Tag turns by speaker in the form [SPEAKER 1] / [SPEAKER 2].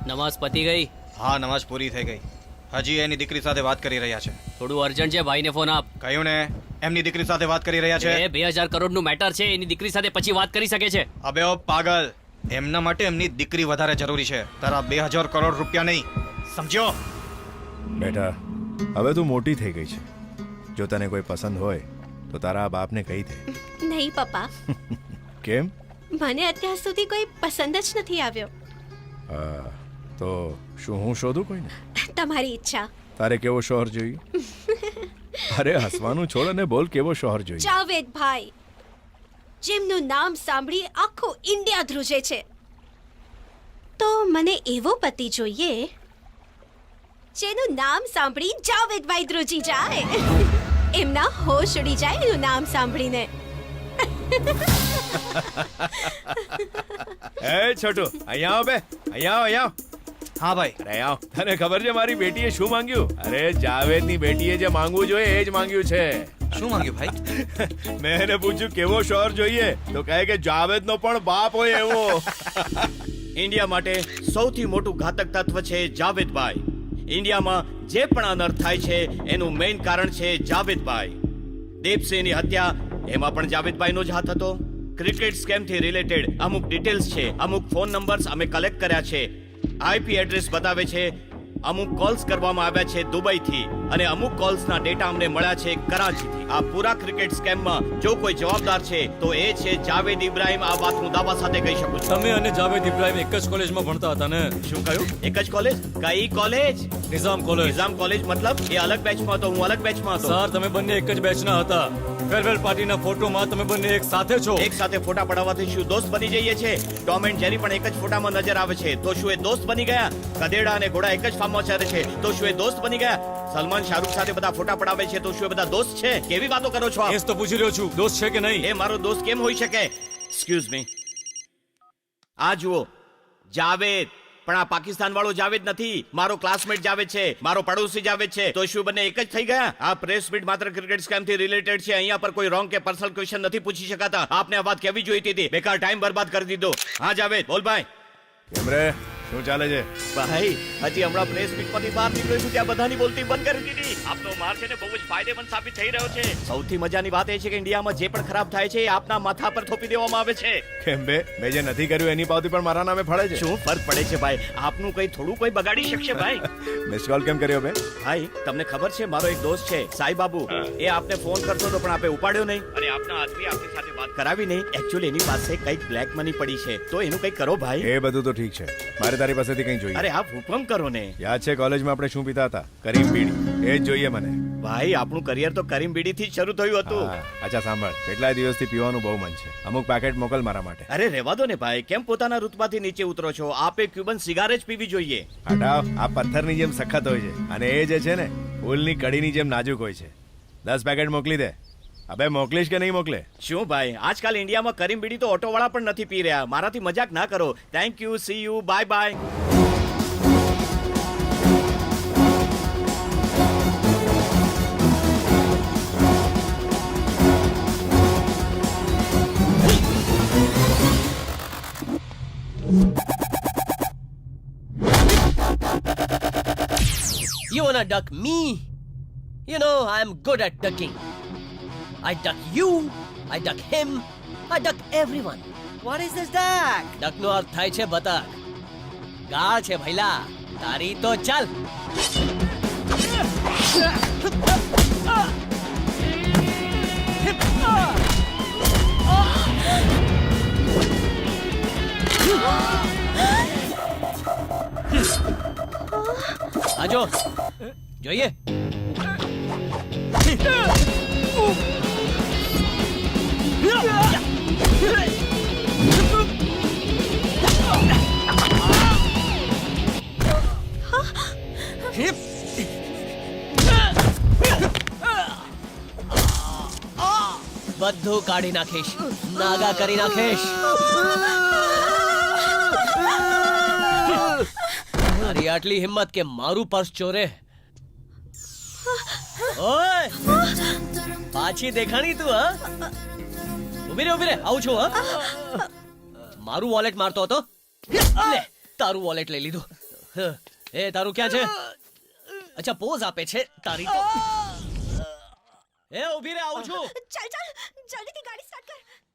[SPEAKER 1] નમાઝ પતી ગઈ?
[SPEAKER 2] હા, નમાઝ પૂરી થઈ ગઈ. હજી એની દીકરી સાથે વાત કરી રહ્યા છે.
[SPEAKER 1] થોડું અર્જન્ટ છે, ભાઈને ફોન આપ.
[SPEAKER 2] કહ્યું ને, એમની દીકરી સાથે વાત કરી રહ્યા છે.
[SPEAKER 1] એ 2000 કરોડનું મેટર છે, એની દીકરી સાથે પછી વાત કરી શકે છે.
[SPEAKER 2] અબે ઓ પાગલ, એમના માટે એમની દીકરી વધારે જરૂરી છે, તારા 2000 કરોડ રૂપિયા નહીં. સમજ્યો?
[SPEAKER 3] બેટા, હવે તું મોટી થઈ ગઈ છે. જો તને કોઈ પસંદ હોય તો તારા બાપને કહી દે.
[SPEAKER 4] નહીં પપ્પા,
[SPEAKER 3] કેમ?
[SPEAKER 4] મને અત્યાર સુધી કોઈ પસંદ જ નથી આવ્યો.
[SPEAKER 3] હા, તો શું હું શોધું કોઈને?
[SPEAKER 4] તમારી ઈચ્છા.
[SPEAKER 3] તારે કેવો શોહર જોઈએ? અરે હસવાનું છોડ અને બોલ, કેવો શોહર જોઈએ?
[SPEAKER 4] જાવેદભાઈ, જેમનું નામ સાંભળી આખું ઇન્ડિયા ધ્રુજે છે. તો મને એવો પતિ જોઈએ જેનું નામ સાંભળી જાવેદભાઈ ધ્રુજી જાય. એમના હોશ ઉડી જાય એનું નામ સાંભળીને.
[SPEAKER 3] એ છોટુ, અહીંયા આવ બે, અહીંયા આવ, અહીંયા આવ.
[SPEAKER 2] હા ભાઈ.
[SPEAKER 3] અરે આવ. તને ખબર છે મારી બેટીએ શું માંગ્યું? અરે જાવેદની બેટીએ જે માંગવું જોઈએ એ જ માંગ્યું છે.
[SPEAKER 2] શું માંગ્યું ભાઈ?
[SPEAKER 3] મેં એને પૂછ્યું કેવો શોહર જોઈએ, તો કહે કે જાવેદનો પણ બાપ હોય એવો.
[SPEAKER 5] ઇન્ડિયા માટે સૌથી મોટું ઘાતક તત્વ છે જાવેદભાઈ. ઇન્ડિયામાં જે પણ અનર્થ થાય છે એનું મેઇન કારણ છે જાવેદભાઈ. દીપસિંહની હત્યા, એમાં પણ જાવેદભાઈનો જ હાથ હતો. ક્રિકેટ સ્કેમથી રિલેટેડ અમુક ડિટેલ્સ છે, અમુક ફોન નંબર્સ અમે કલેક્ટ કર્યા છે, આઈપી એડ્રેસ બતાવે છે, અમુક કોલ્સ કરવામાં આવ્યા છે દુબઈથી અને અમુક કોલ્સના ડેટા અમને મળ્યા છે કરાચીથી. આ પૂરા ક્રિકેટ સ્કેમમાં જો કોઈ જવાબદાર છે તો એ છે જાવેદ ઇબ્રાહિમ. આ વાત હું દાવા સાથે કહી શકું છું.
[SPEAKER 6] તમે અને જાવેદ ઇબ્રાહિમ એક જ કોલેજમાં ભણતા હતા ને?
[SPEAKER 5] શું કહ્યું? એક જ કોલેજ? કઈ college?
[SPEAKER 6] Nizam college.
[SPEAKER 5] Nizam college મતલબ એ અલગ બેચમાં હતો, હું અલગ બેચમાં હતો.
[SPEAKER 6] સર, તમે બંને એક જ બેચના હતા. ફેરવેલ પાર્ટીના ફોટોમાં તમે બંને એક સાથે છો.
[SPEAKER 5] એક સાથે ફોટા પડાવવાથી શું દોસ્ત બની જઈએ છે? ટોમ એન્ડ જેરી પણ એક જ ફોટામાં નજર આવે છે, તો શું એ દોસ્ત બની ગયા? ગધેડા અને ઘોડા એક જ ફાર્મમાં ચરે છે, તો શું એ દોસ્ત બની ગયા? સલમાન શાહરુખ સાથે બધા ફોટા પડાવે છે, તો શું એ બધા દોસ્ત છે? કેવી વાતો કરો છો આપ?
[SPEAKER 6] એ જ તો પૂછી રહ્યો છું, દોસ્ત છે કે નહીં?
[SPEAKER 5] એ મારો દોસ્ત કેમ હોઈ શકે? એક્સક્યુઝ મી, આ જુઓ, જાવેદ. પણ આ પાકિસ્તાન વાળો જાવેદ નથી, મારો ક્લાસમેટ જાવેદ છે, મારો પડોશી જાવેદ છે. તો શું બંને એક જ થઈ ગયા? આ પ્રેસ મીટ માત્ર ક્રિકેટ સ્કેમ થી રિલેટેડ છે, અહીંયા પર કોઈ રોંગ કે પર્સનલ ક્વેશ્ચન નથી પૂછી શકાતા. આપને આ વાત કેવી જોઈતી હતી? બેકાર ટાઈમ બરબાદ કરી દીધો. હા જાવેદ, બોલ ભાઈ.
[SPEAKER 3] કેમ રે, શું ચાલે છે?
[SPEAKER 5] ભાઈ, હજી હમણાં પ્રેસ મીટમાંથી બહાર નીકળ્યો છું ત્યાં બધાની બોલતી બંધ કરી દીધી. આપનો માર છે ને બહુ જ ફાયદેમંદ સાબિત થઈ રહ્યો છે. સૌથી મજાની વાત એ છે કે ઇન્ડિયામાં જે પણ ખરાબ થાય છે એ આપના માથા પર થોપી દેવામાં આવે છે.
[SPEAKER 3] કેમ બે, મેં જે નથી કર્યું એની પાવતી પણ મારા નામે ફળે છે.
[SPEAKER 5] શું ફરક પડે છે ભાઈ? આપનું કઈ થોડું કોઈ બગાડી શકશે ભાઈ?
[SPEAKER 3] મિસ કોલ કેમ કર્યો બે?
[SPEAKER 5] ભાઈ, તમને ખબર છે મારો એક દોસ્ત છે સાઈ બાબુ, એ આપને ફોન કરતો હતો પણ આપે ઉપાડ્યો નહીં અને આપના આદમી આપની સાથે વાત કરાવી નહીં. એકચ્યુઅલી એની પાસે કઈક બ્લેક મની પડી છે, તો એનું કઈક કરો ભાઈ.
[SPEAKER 3] એ બધું તો ઠીક છે, મારે તારી પાસેથી કંઈ જોઈએ.
[SPEAKER 5] અરે આપ હુકમ કરો ને.
[SPEAKER 3] યાદ છે કોલેજમાં આપણે શું પીતા હતા? કરીમ બીડી. એ જ જોઈએ મને.
[SPEAKER 5] ભાઈ, આપણું કરિયર તો કરીમ બીડીથી જ શરૂ થયું હતું.
[SPEAKER 3] હા, અચ્છા સાંભળ, કેટલાય દિવસથી પીવાનું બહુ મન છે, અમુક પેકેટ મોકલ મારા માટે.
[SPEAKER 5] અરે રહેવા દો ને ભાઈ, કેમ પોતાના ઋતમાંથી નીચે ઉતરો છો? આપે ક્યુબન સિગારેટ જ પીવી જોઈએ.
[SPEAKER 3] હટાવ, આ પથ્થરની જેમ સખત હોય છે અને એ જે છે ને ફૂલની કડીની જેમ નાજુક હોય છે. 10 પેકેટ મોકલી દે. અબે મોકલીશ કે નહીં મોકલે?
[SPEAKER 5] શું ભાઈ, આજકાલ ઇન્ડિયામાં કરીમ બીડી તો ઓટોવાળા પણ નથી પી રહ્યા. મારાથી મજાક ના કરો. Thank you, see you, bye bye.
[SPEAKER 1] You wanna duck me? You know, I'm good at ducking. I duck you, I duck him, I duck everyone.
[SPEAKER 7] What is this duck?
[SPEAKER 1] Duck નો અર્થ થાય છે બતક. ગાળ છે ભઈલા, તારી તો ચાલ. આજો જોઈએ. બધું કાઢી નાખીશ, નાગા કરી નાખીશ. મારી આટલી હિંમત કે મારું પર્સ ચોરે. ઓય, પાછી દેખાણી તું? હા, ઉભી રે, આવું છું. હા, મારું વોલેટ મારતો હતો, લે તારું વોલેટ લઈ લીધું. એ તારું ક્યાં છે અચ્છા પોઝ આપે છે તારી તો એ ઊભી રે આવું છું
[SPEAKER 4] ચાલ ચાલ જલ્દીથી ગાડી સ્ટાર્ટ કર